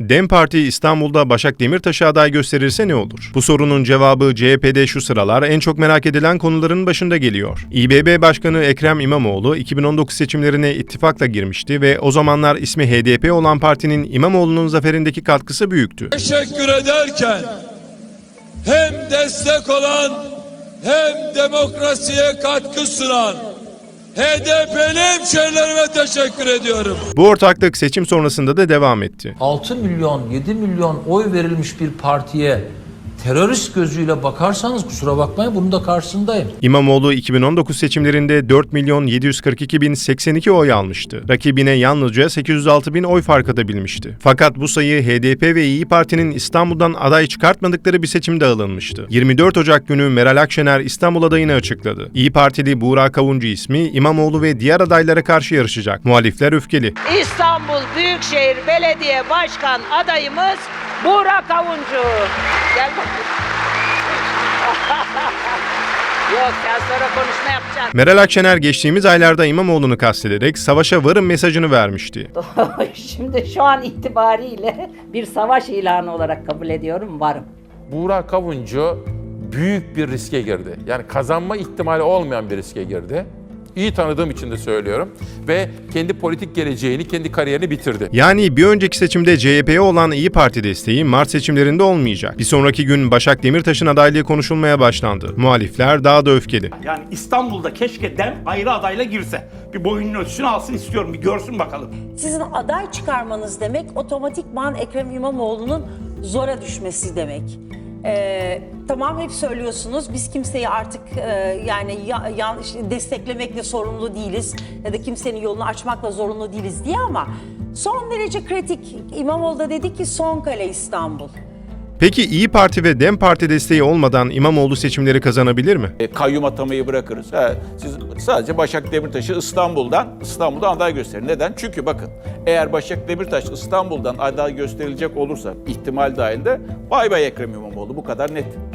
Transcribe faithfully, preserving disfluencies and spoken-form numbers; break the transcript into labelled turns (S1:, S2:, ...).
S1: DEM Parti İstanbul'da Başak Demirtaş'ı aday gösterirse ne olur? Bu sorunun cevabı C H P'de şu sıralar en çok merak edilen konuların başında geliyor. İBB Başkanı Ekrem İmamoğlu iki bin on dokuz seçimlerine ittifakla girmişti ve o zamanlar ismi H D P olan partinin İmamoğlu'nun zaferindeki katkısı büyüktü.
S2: Teşekkür ederken hem destek olan hem demokrasiye katkı sunan H D P'li hemşehrilerime teşekkür ediyorum.
S1: Bu ortaklık seçim sonrasında da devam etti.
S3: altı milyon, yedi milyon oy verilmiş bir partiye terörist gözüyle bakarsanız kusura bakmayın bunun da karşısındayım.
S1: İmamoğlu iki bin on dokuz seçimlerinde dört milyon yedi yüz kırk iki bin seksen iki oy almıştı. Rakibine yalnızca sekiz yüz altı bin oy fark atabilmişti. Fakat bu sayı H D P ve İyi Parti'nin İstanbul'dan aday çıkartmadıkları bir seçimde alınmıştı. yirmi dört Ocak günü Meral Akşener İstanbul adayını açıkladı. İyi Partili Buğra Kavuncu ismi İmamoğlu ve diğer adaylara karşı yarışacak. Muhalifler öfkeli.
S4: İstanbul Büyükşehir Belediye Başkan adayımız Buğra Kavuncu. Gel bakayım. Yok ya sonra konuşma yapacağım.
S1: Meral Akşener geçtiğimiz aylarda İmamoğlu'nu kastederek savaşa varın mesajını vermişti.
S4: Şimdi şu an itibariyle bir savaş ilanı olarak kabul ediyorum, varım.
S5: Buğra Kavuncu büyük bir riske girdi. Yani kazanma ihtimali olmayan bir riske girdi. İyi tanıdığım için de söylüyorum. Ve kendi politik geleceğini, kendi kariyerini bitirdi.
S1: Yani bir önceki seçimde C H P'ye olan İyi Parti desteği Mart seçimlerinde olmayacak. Bir sonraki gün Başak Demirtaş'ın adaylığı konuşulmaya başlandı. Muhalifler daha da öfkeli.
S6: Yani İstanbul'da keşke DEM ayrı adayla girse. Bir boyunun ölçüsünü alsın istiyorum, bir görsün bakalım.
S7: Sizin aday çıkarmanız demek otomatikman Ekrem İmamoğlu'nun zora düşmesi demek. Ee, tamam hep söylüyorsunuz biz kimseyi artık e, yani ya, ya, desteklemekle sorumlu değiliz ya da kimsenin yolunu açmakla zorunlu değiliz diye ama son derece kritik. İmamoğlu da dedi ki son kale İstanbul.
S1: Peki İyi Parti ve DEM Parti desteği olmadan İmamoğlu seçimleri kazanabilir mi?
S8: E, kayyum atamayı bırakırız. Ha, siz sadece Başak Demirtaş'ı İstanbul'dan İstanbul'dan aday gösterin. Neden? Çünkü bakın eğer Başak Demirtaş İstanbul'dan aday gösterilecek olursa ihtimal dahilinde bay bay Ekrem İmamoğlu, bu kadar net.